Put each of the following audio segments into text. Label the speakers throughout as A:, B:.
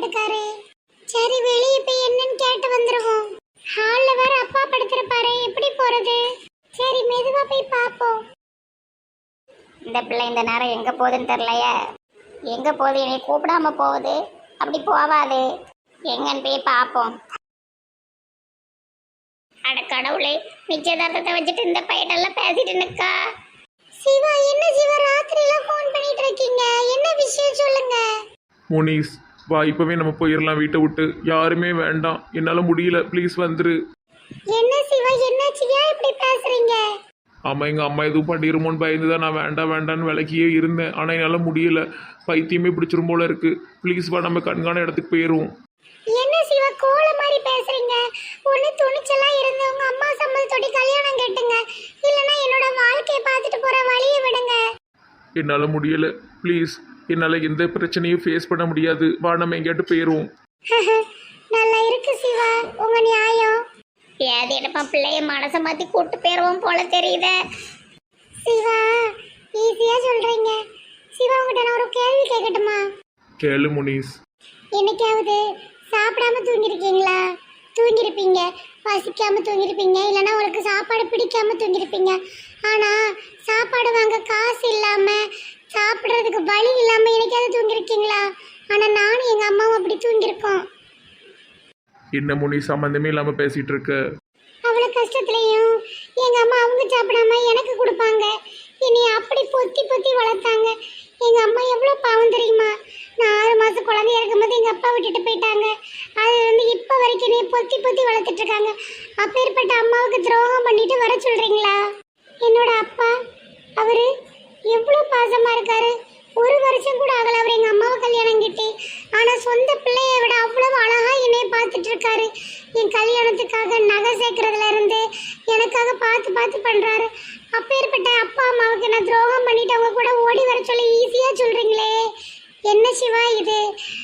A: இருக்காரு. சரி வெளியே போய் என்னன்னு கேட்டு வந்துருவோம். ஹால்ல வேற அப்பா படுத்திருப்பாரு, எப்படி போறது? சரி மெதுவா போய் பாப்போம். இந்த பிள்ளை இந்த நேரம் எங்க போகுதுன்னு தெரியலையே. எங்க போகுது? என்னை கூப்பிடாம போகுது. அப்படி போவாது. எங்கன்னு போய் பாப்போம். அட கடவுளே, நிச்சயதார்த்தத்தை வச்சுட்டு இந்த பையனெல்லாம் பேசிட்டு நிக்கா. சிவா, என்ன சிவா ராத்திரில ஃபோன் பண்ணிட்டு இருக்கீங்க? என்ன விஷயம் சொல்லுங்க.
B: முனிஸ் வா, இப்பவே நம்ம போயிடலாம் வீட்டை விட்டு. யாருமே வேண்டாம், என்னால முடியல, ப்ளீஸ் வந்துரு.
A: என்ன சிவா, என்னாச்சு? ஏன் இப்படி பேசுறீங்க?
B: ஆமா, எங்க அம்மா எதுவும் பண்ணிருமோன்னு பயந்துதான் நான் வேண்டாம் வேண்டான்னு விலக்கியே இருந்தேன். ஆனா என்னால முடியல, பைத்தியமே பிடிச்சிரும் போல இருக்கு. ப்ளீஸ் வா, நம்ம கண்காண இடத்துக்கு போயிடுவோம்.
A: என்ன சிவா கோல மாதிரி பேசுறீங்க? ஒண்ணு துணிச்சலா இருந்து உங்க அம்மா சம்மதத்தோட கல்யாணம் கட்டுங்க, இல்லனா என்னோட வாழ்க்கையை பார்த்துட்டு போற வழியை விடுங்க.
B: என்னால முடியல, ப்ளீஸ். என்னால எந்த பிரச்சனையும் ஃபேஸ் பண்ண முடியாது. வா, நம்ம எங்கேயாட்டு போயிடுவோம்.
A: நல்லா இருக்கு சிவா உங்க நியாயம். ஏது எடுப்பா, பிள்ளைய மனசை மாத்தி கூட்டு போயிருவோம் போல தெரியுதே. சிவா ஈஸியா சொல்றீங்க. சிவா உங்ககிட்ட நான் ஒரு கேள்வி கேட்கட்டுமா?
B: கேளு முனிஸ்.
A: என்னைக்காவது சாப்பிடாம தூங்கிருக்கீங்களா? தூங்கிருப்பீங்க, பசிக்காம தூங்கிருப்பீங்க, இல்லைன்னா உங்களுக்கு சாப்பாடு பிடிக்காம தூங்கிருப்பீங்க. ஆனா சாப்பாடு வாங்க காசு இல்லாம, சாப்பிட்றதுக்கு வழி இல்லாம என்னைக்காவது தூங்கிருக்கீங்களா? ஆனா நானும் எங்க அம்மாவும் அப்படி தூங்கிருக்கோம்.
B: என்ன முனி, சம்பந்தமே இல்லாம பேசிட்டு இருக்க?
A: அவ்வளவு கஷ்டத்துலயும் எங்க அம்மா அவங்க சாப்பிடாம எனக்கு கொடுப்பாங்க. என்னை அப்படி பொத்தி பொத்தி வளர்த்தாங்க. எங்க அம்மா எவ்வளவு பாவம் தெரியுமா? நான் 6 மாசம் குழந்தையா இருக்கும்போது எங்க அப்பா விட்டுட்டு போயிட்டாங்க. அது வந்து இப்ப வரைக்கும் என்னை பொத்தி பொத்தி வளர்த்துட்டு இருக்காங்க. அப்பேற்பட்ட அம்மாவுக்கு துரோகம் பண்ணிட்டு வர சொல்றீங்களா? என்னோட அப்பா அவரு எவ்வளவு பாசமா இருக்காரு. 1 வருஷம் கூட ஆகல அவர் எங்க அம்மாவை கல்யாணம் கிட்டி. ஆனா சொந்த பிள்ளைய விட அவ்வளவு அழகா என்னைய பார்த்துட்டு இருக்காரு. என் கல்யாணத்துக்காக நகை சேர்க்கறதுல இருந்து எனக்காக பார்த்து பார்த்து பண்றாரு. அப்பேற்பட்ட அப்பா அம்மாவுக்கு நான் துரோகம் பண்ணிட்டு அவங்க கூட ஓடி வர சொல்லி ஈஸியா சொல்றீங்களே. என்ன சிவா இது?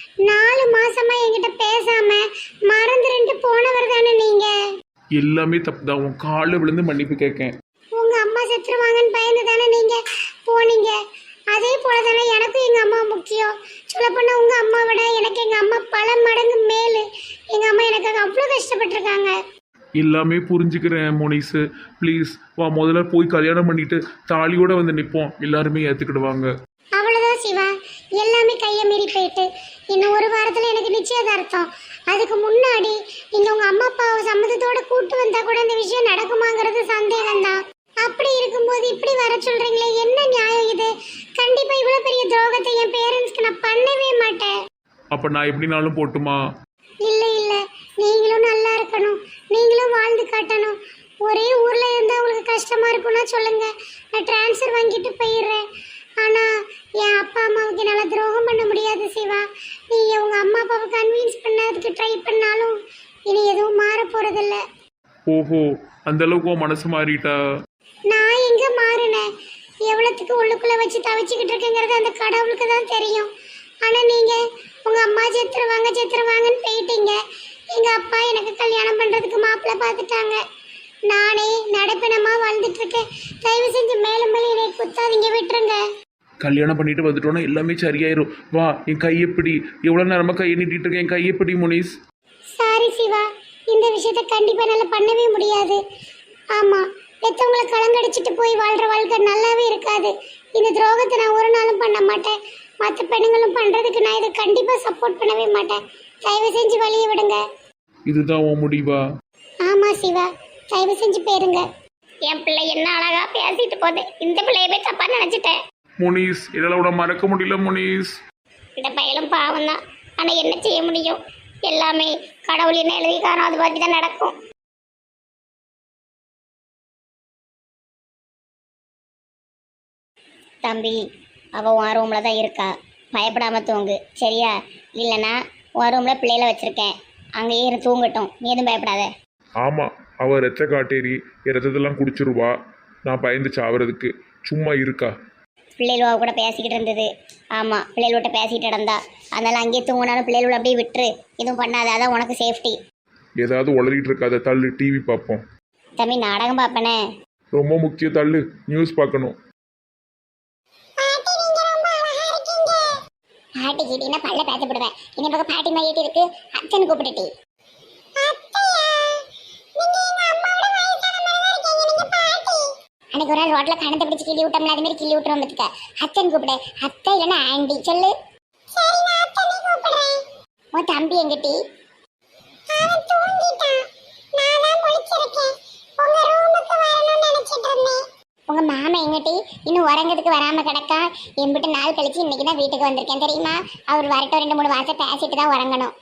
A: 4 மாசமா என்கிட்ட பேசாம மறந்துட்டு போனவர் தானே நீங்க?
B: எல்லாமே தப்புதான். உன் காலில் விழுந்து மன்னிப்பு கேட்கேன்.
A: உங்க அம்மா செத்துருவாங்கன்னு பயந்து தானே நீங்க போனீங்க. அதே போல தானே எனக்கும் எங்க அம்மா முக்கியம். சொல்ல போனா உங்க அம்மா விட எனக்கு எங்க அம்மா பல மடங்கு மேலு. எங்க அம்மா எனக்காக அவ்வளவு கஷ்டப்பட்டிருக்காங்க.
B: எல்லாமே புரிஞ்சுக்கிறேன் மோனிஸ். ப்ளீஸ் வா, முதல்ல போய் கல்யாணம் பண்ணிட்டு தாலியோட வந்து நிற்போம். எல்லாருமே ஏற்றுக்கிடுவாங்க.
A: அவ்வளவுதான் சிவா, எல்லாமே கையை மீறி போயிட்டு இன்னும் 1 வாரத்துல எனக்கு நிச்சயதார்த்தம். அதுக்கு முன்னாடி நீங்க உங்க அம்மா அப்பாவை சம்மதத்தோட கூட்டு வந்தா கூட இந்த விஷயம் நடக்குமாங்கிறது சந்தேகம்தான். அப்படி இருக்கும்போது இப்படி வர சொல்றீங்களே, என்ன நியாயம் இது? கண்டிப்பா இவ்வளவு பெரிய துரோகத்தை என் பேரண்ட்ஸ்க்கு நான் பண்ணவே மாட்டேன்.
B: அப்ப நான் எப்படினாலும் போட்டுமா?
A: இல்ல இல்ல, நீங்களும் நல்லா இருக்கணும், நீங்களும் வாழ்ந்து காட்டணும். ஒரே ஊர்ல இருந்தா உங்களுக்கு கஷ்டமா இருக்கும்னா சொல்லுங்க, நான் டிரான்ஸ்ஃபர் வாங்கிட்டு போயிடுறேன். ஆனா என் அப்பா அம்மாவுக்கு என்னால துரோகம் பண்ண முடியாது சிவா. நீங்க உங்க அம்மா அப்பாவை கன்வின்ஸ் பண்ணதுக்கு ட்ரை பண்ணாலும் இனி எதுவும் மாற போறதில்ல.
B: ஓஹோ, அந்த அளவுக்கு உன் மனசு மாறிட்டா?
A: நான் எங்க மாறினேன்? எவ்வளவுக்கு உள்ளுக்குள்ள வச்சு தவிச்சுக்கிட்டு இருக்கேங்கிறது அந்த கடவுளுக்கு தான் தெரியும். ஆனா நீங்க உங்க அம்மா செத்துருவாங்கன்னு போயிட்டீங்க. எங்க அப்பா எனக்கு கல்யாணம் பண்றதுக்கு மாப்பிள்ளை பார்த்துட்டாங்க. நானே நடப்பினமா வாழ்ந்துட்டு இருக்கேன். தயவு செஞ்சு மேலும் மேலும் என்னை குத்தாதீங்க, விட்டுருங்க.
B: கல்யாணம் பண்ணிட்டு வந்துட்டோன்னா எல்லாமே சரியாயிரும். வா, என் கையெப்படி, எவ்வளோ நேரமாக கையை நீட்டிட்டு இருக்கேன், என் கையெப்படி முனிஸ்.
A: சாரி சிவா, இந்த விஷயத்த கண்டிப்பா என்னால பண்ணவே முடியாது. ஆமா, பெத்தவங்களை கலங்கடிச்சிட்டு போய் வாழ்ற வாழ்க்கை நல்லாவே இருக்காது. இந்த துரோகத்தை நான் ஒரு நாளும் பண்ண மாட்டேன். மற்ற பெண்ணுங்களும் பண்றதுக்கு நான் இதை கண்டிப்பா சப்போர்ட் பண்ணவே மாட்டேன். தயவு செஞ்சு வழியை விடுங்க.
B: இதுதான் உன் முடிவா?
A: ஆமா சிவா, தயவு செஞ்சு போயிருங்க. என் பிள்ளை என்ன அழகா பேசிட்டு போகுது. இந்த பிள்ளையவே தப்பா நினைச்சிட்டேன்.
B: முனிஸ், இதெல்லாம் விட மறக்க முடியல முனிஸ்.
A: இந்த பையலும் பாவம் தான், ஆனா என்ன செய்ய முடியும்? எல்லாமே கடவுள் என்ன எழுதிக்காரோ அது மாதிரி தான் நடக்கும். தம்பி, அவள் உன் ரூம்ல தான் இருக்கா, பயப்படாம தூங்கு சரியா? இல்லைன்னா உன் ரூம்ல பிள்ளைகளை வச்சிருக்கேன், அங்கேயே இருந்து தூங்கட்டும், நீ எதுவும் பயப்படாத.
B: ஆமா, அவ ரத்த காட்டேரி ரத்தத்தெல்லாம் குடிச்சிருவா. நான் பயந்து சாவறதுக்கு. சும்மா இருக்கா?
A: பிள்ளைகளோட கூட பேசிக்கிட்டு இருந்தது. ஆமாம், பிள்ளைகளோட பேசிக்கிட்டு நடந்தா. அதனால அங்கேயே தூங்கினாலும் பிள்ளைகளோட அப்படியே விட்டுரு, எதுவும் பண்ணாத, அதான் உனக்கு சேஃப்டி.
B: ஏதாவது உளறிட்டு இருக்காத, தள்ளு. டிவி பார்ப்போம்.
A: தம்பி, நாடகம் பார்ப்பனே.
B: ரொம்ப முக்கியம், தள்ளு. நியூஸ் பார்க்கணும்.
A: பாட்டி கிட்டினா பல்ல பேத்து விடுவேன். இந்த பக்கம் பாட்டி மாதிரி இருக்கு, அச்சன் கூப்பிட்டுட்டி. அன்னைக்கு ஒரு நாள் ரோட்ல கணத்தை பிடிச்சி கிள்ளி விட்டோம்ல, அது மாதிரி கிள்ளி விட்டுறோம் பத்துக்க. அத்தன் கூப்பிடு. அத்தை இல்லைன்னா ஆண்டி சொல்லு. உன் தம்பி எங்கிட்டி? உங்க மாமா எங்கிட்டி? இன்னும் உறங்கிறதுக்கு வராம கிடக்கா. எம்பிட்டு நாள் கழிச்சு இன்னைக்கு தான் வீட்டுக்கு வந்திருக்கேன் தெரியுமா? அவர் வரட்டும், 2-3 வாசம் பேசிட்டு தான் உறங்கணும்.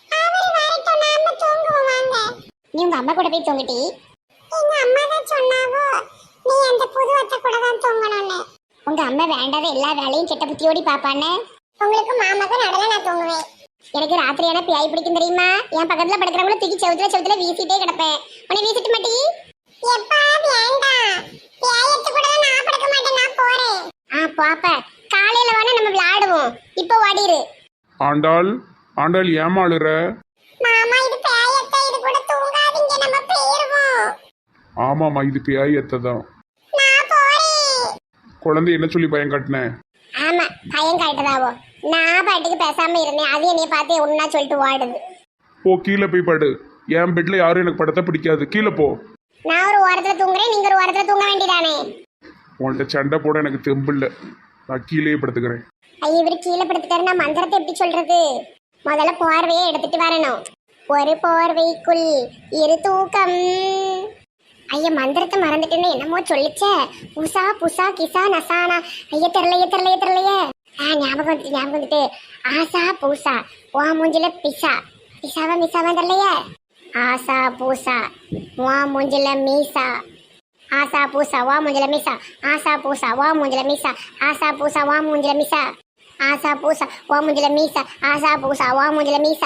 A: நீ உங்க அம்மா கூட போய் தூங்கிட்டி? எங்க அம்மா தான் சொன்னாவோ நீ அந்த புது அத்தை கூட தான் தூங்கணும்னு. உங்க அம்மா வேண்டாத எல்லா வேலையும் செட்ட புத்தியோடி பாப்பானே. உங்களுக்கு மாமாக்கு நடல நான் தூங்குவேன். எனக்கு ராத்திரியான பேய் பிடிக்கும் தெரியுமா? என் பக்கத்துல படுக்கிறவங்கள தூக்கி செவுத்துல வீசிட்டே கிடப்பேன். உன்னை வீசிட்டு மாட்டி? எப்பா வேண்டாம், பேயத்து கூட நான் படுக்க மாட்டேன், நான் போறேன். பாப்ப காலையில வேணா நம்ம விளையாடுவோம், இப்போ ஓடிரு.
B: ஆண்டாள் ஆண்டாள் ஏமாளுற?
A: மாமா இது பேயத்தை, இது கூட தூங்காதீங்க, நம்ம போயிருவோம்.
B: ஆமாம்மா, இது பேயத்தை தான்.
A: நான் போறேன்.
B: குழந்தை என்ன சொல்லி பயம் காட்டினேன்?
A: ஆமா, பயம் காட்டுதாவோ. நான் பாட்டுக்கு பேசாம இருந்தேன், அது என்னைய பார்த்து ஒன்னா சொல்லிட்டு ஓடுது.
B: போ, கீழே போய் படு. என் பெட்ல யாரும் எனக்கு படத்தை பிடிக்காது, கீழே போ.
A: நான் ஒரு ஓரத்துல தூங்குறேன், நீங்க ஒரு ஓரத்துல தூங்க வேண்டியதானே.
B: உன்கிட்ட சண்டை போட எனக்கு தெம்பு இல்லை, நான் கீழே படுத்துக்கிறேன்.
A: ஐயா, இவரு கீழே படுத்துட்டாரு, நான் மந்திரத்தை எப்படி சொல்றது? முதல்ல போர்வையை எடுத்துட்டு வரணும். ஒரு போர்வைக்குள் இரு தூக்கம். ஐயா, மந்திரத்தை மறந்துட்டேன்னு என்னமோ சொல்லிச்சே. உஷா புஷா கிசா நசானா. ஐயா தெரியலையே. ஞாபகம் வந்துட்டு. ஆசா பூசா வா மூஞ்சில பிசா. மிசாவா தெரியலையே. ஆசா பூசா வா மூஞ்சில மீசா. ஆசா பூசா வா மூஞ்சில மீசா. ஆசா பூசா வா மூஞ்சில மீசா. ஆசா பூசா வா மூஞ்சில மீசா. ஆசா பூசா வா மூஞ்சில மீசா. ஆசா பூசா வா மூஞ்சில மீசா.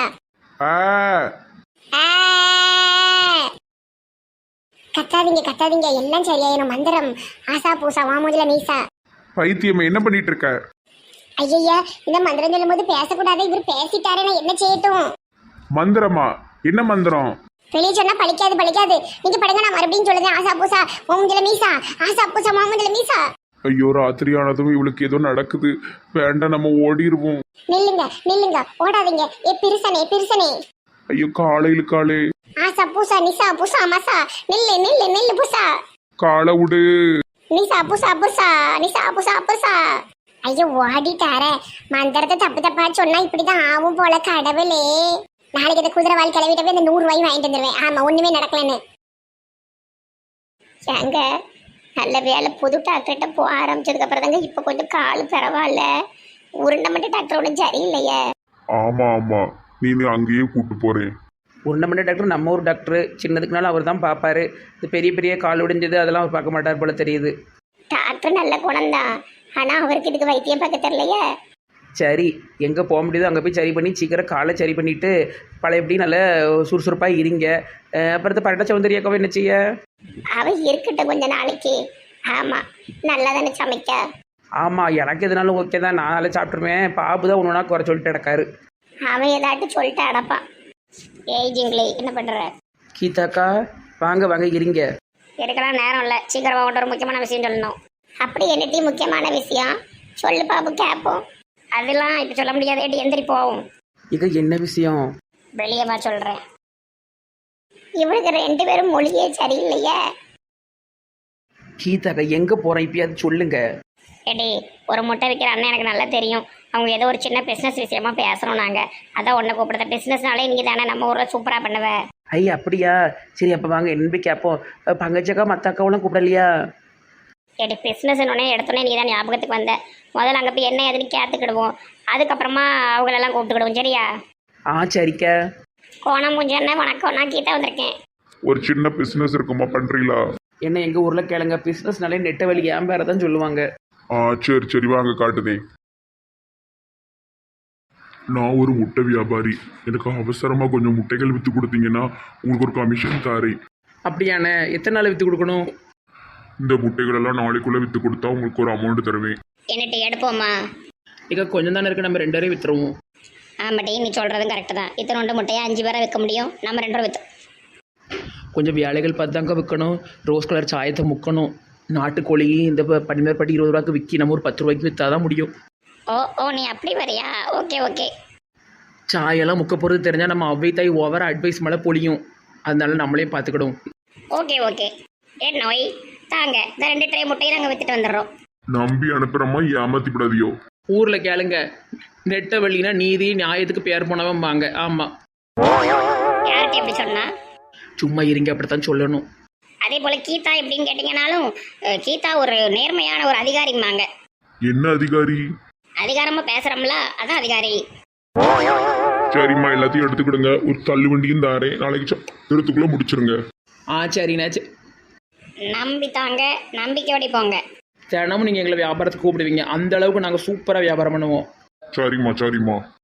A: கத்தாதீங்க, எல்லாம் சரியாயிரும். மந்திரம் ஆசா பூசா வா மூஞ்சில மீசா.
B: பைத்தியம், என்ன பண்ணிட்டு இருக்க?
A: ஐயா, இந்த மந்திரம் சொல்லும் போது பேசக்கூடாது. இவர் பேசிட்டாரு, நான் என்ன செய்யட்டும்?
B: மந்திரமா? என்ன மந்திரம்?
A: வெளியே சொன்னா பழிக்காது. நீங்க படுங்க, நான் மறுபடியும் சொல்லுங்க. ஆசா பூசா மூஞ்சில மீசா. ஆசா பூசா மூஞ்சில மீசா.
B: ஐயோ, ராத்திரியானதும் இவளுக்கு ஏதோ நடக்குது. வேண்டாம், நம்ம ஓடிடுவோம்.
A: நில்லுங்க, ஓடாதீங்க. ஏ பிரிசனே.
B: ஐயோ, காலே.
A: ஆசா பூசா நிசா பூசா மசா. நில்லு பூசா.
B: காலை விடு.
A: நிசா பூசா. ஐயோ, ஓடிட்டாரே. மந்திரத்தை தப்பா சொன்னா இப்படிதான் ஆகும் போல. கடவுளே, நாளைக்கு இந்த குதிரைவால் கிளவிட்டவே இந்த 100 ரூபாயும் வாங்கிட்டு வந்துடுவேன். ஆமா, ஒண்ணுமே நடக்கலன்னு. ஏங்க, நல்ல வேலை புது டாக்டர்கிட்ட போக ஆரம்பிச்சதுக்கு அப்புறம் தாங்க இப்ப கொஞ்சம் கால் பரவாயில்ல. உருண்டமட்ட டாக்டர் ஒன்றும் சரியில்லையே.
B: ஆமா, நீ அங்கேயே கூட்டு போறேன்.
C: உருண்டமண்ட டாக்டர் நம்ம ஊர் டாக்டர். சின்னதுக்குனாலும் அவர் தான் பார்ப்பாரு. இந்த பெரிய கால் உடைஞ்சது அதெல்லாம் அவர் பார்க்க மாட்டார் போல தெரியுது.
A: டாக்டர் நல்ல குணம்தான், ஆனா அவருக்கு இதுக்கு வைத்தியம் பார்க்க தெரியலையே.
C: சரி, எங்கே போக முடியுதோ அங்கே போய் சரி பண்ணி சீக்கிரம் காலை சரி பண்ணிவிட்டு பழையபடி நல்லா சுறுசுறுப்பாக இருங்க. அப்புறத்து பரட்ட சௌந்தரியாக்காவை என்ன செய்ய?
A: அவ இருக்கட்டும் கொஞ்ச நாளைக்கு. ஆமா, நல்லா தானே சமைக்க.
C: ஆமாம், எனக்கு எதுனாலும் ஓகே தான், நான் நல்லா சாப்பிட்ருவேன். பாபு தான் ஒன்று குறை சொல்லிட்டு கிடக்காரு.
A: அவன் ஏதாட்டும் சொல்லிட்டு அடப்பான். ஏய் ஜிங்களே, என்ன பண்ற?
C: கீதாக்கா, வாங்க இருங்க.
A: எடுக்கலாம் நேரம் இல்லை, சீக்கிரமா ஒரு முக்கியமான விஷயம் சொல்லணும். அப்படி என்னட்டி முக்கியமான விஷயம் சொல்லு பாபு, கேட்போம். அதெல்லாம் இப்போ சொல்ல முடியாது, எந்திரி போவோம்.
C: இது என்ன விஷயம்?
A: வெளியே வா சொல்றேன். இவனுக்கு 2 பேரும் மொழியே சரியில்லையே.
C: கீதாக்கா, எங்கே போகிறேன் இப்பயாவது சொல்லுங்க.
A: ஏடி, ஒரு முட்டை விற்கிற அண்ணன் எனக்கு நல்லா தெரியும். அவங்க ஏதோ ஒரு சின்ன பிஸ்னஸ் விஷயமா பேசுகிறோம் நாங்கள். அதான் ஒன்றை கூப்பிடுற. பிஸ்னஸ்னாலே நீங்கள் தானே நம்ம ஊரில் சூப்பராக பண்ணுவ.
C: ஐயா, அப்படியா? சரி, அப்போ வாங்க என்ன போய் கேட்போம். பங்கச்சக்கா மற்ற அக்காவெல்லாம் கூப்பிடலையா?
A: ஏடி, பிஸ்னஸ் எடுத்தோடனே நீ தான் ஞாபகத்துக்கு வந்த. முதல்ல அங்கே போய் என்ன ஏதுன்னு கேட்டுக்கிடுவோம், அதுக்கப்புறமா அவங்களெல்லாம் கூப்பிட்டுக்கிடுவோம். சரியா?
C: சரிக்கா.
A: கோணம் மூஞ்சண்ணே வணக்கம், நான் கீதா வந்திருக்கேன்.
B: ஒரு சின்ன பிசினஸ் இருக்குமா, பண்றீங்களா?
C: என்ன எங்கள் ஊரில் கேளுங்க, பிஸ்னஸ்னாலே நெட்ட வழி ஏன் பேர தான் சொல்லுவாங்க.
B: சரி வாங்க காட்டுதேன். நான் ஒரு முட்டை வியாபாரி. எனக்கு அவசரமா கொஞ்சம் முட்டைகள் வித்து கொடுத்தீங்கன்னா உங்களுக்கு ஒரு கமிஷன் தாரேன்.
C: அப்படியாண்ணே? எத்தனை நாள் விற்று கொடுக்கணும்?
B: இந்த முட்டைகள் எல்லாம் நாளைக்குள்ள வித்து கொடுத்தா உங்களுக்கு ஒரு அமௌண்ட் தருவேன்.
A: என்னட்டு எடுப்போமா?
C: இங்கே கொஞ்சம் தானே இருக்கு, நம்ம 2 பேரையும் விற்றுருவோம்.
A: ஆமாட்டி, நீ சொல்கிறதும் கரெக்டு தான். இத்தனை 2 முட்டையை 5 பேரை விற்க முடியும், நம்ம 2 விற்று.
C: கொஞ்சம் வேலைகள் பார்த்தாங்க விற்கணும். ரோஸ் கலர் சாயத்தை முக்கணும். நாட்டுக்கோழி இந்த பனிமேற்பட்டி 20 ரூபாய்க்கு விற்கி நம்ம ஒரு 10 ரூபாய்க்கு விற்றா தான் முடியும்.
A: ஓ ஓ நீ அப்படி வரியா? Okay okay.
C: சாயெல்லாம் முக்க போகிறது தெரிஞ்சால் நம்ம அவ்வை தாய் ஓவர அட்வைஸ் மேலே பொழியும். அதனால நம்மளே பார்த்துக்கிடும்.
A: Okay okay. ஏன் நோய் தாங்க, இந்த 2 ட்ரே முட்டையை நாங்கள் வித்துட்டு வந்துடுறோம்.
D: நம்பி அனுப்புறமா ஏமாத்தி விடாதியோ.
C: ஊரில் கேளுங்க, நெட்ட வழினா நீதி நியாயத்துக்கு பேர் போனவன் வாங்க. ஆமாம்,
A: யார்கிட்ட எப்படி சொன்னா?
C: சும்மா இருங்க, அப்படித்தான் சொல்லணும்.
A: அதே போல கீதா எப்படின்னு கேட்டீங்கன்னாலும் கீதா ஒரு நேர்மையான ஒரு அதிகாரிம்பாங்க.
D: என்ன அதிகாரி?
A: அதிகாரமா பேசுறோம்ல, அதான் அதிகாரி.
D: சரிம்மா, எல்லாத்தையும் எடுத்துக்கிடுங்க. ஒரு தள்ளு வண்டியும் தாரேன். நாளைக்கு திருத்துக்குள்ள முடிச்சிருங்க.
C: சரிண்ணா.
A: நம்பி தாங்க, நம்பிக்கையோடி போங்க.
C: தினமும் நீங்கள் எங்களை வியாபாரத்துக்கு கூப்பிடுவீங்க. அந்த அளவுக்கு நாங்கள் சூப்பராக வியாபாரம் பண்ணுவோம்.
D: சரிம்மா சரிம்மா.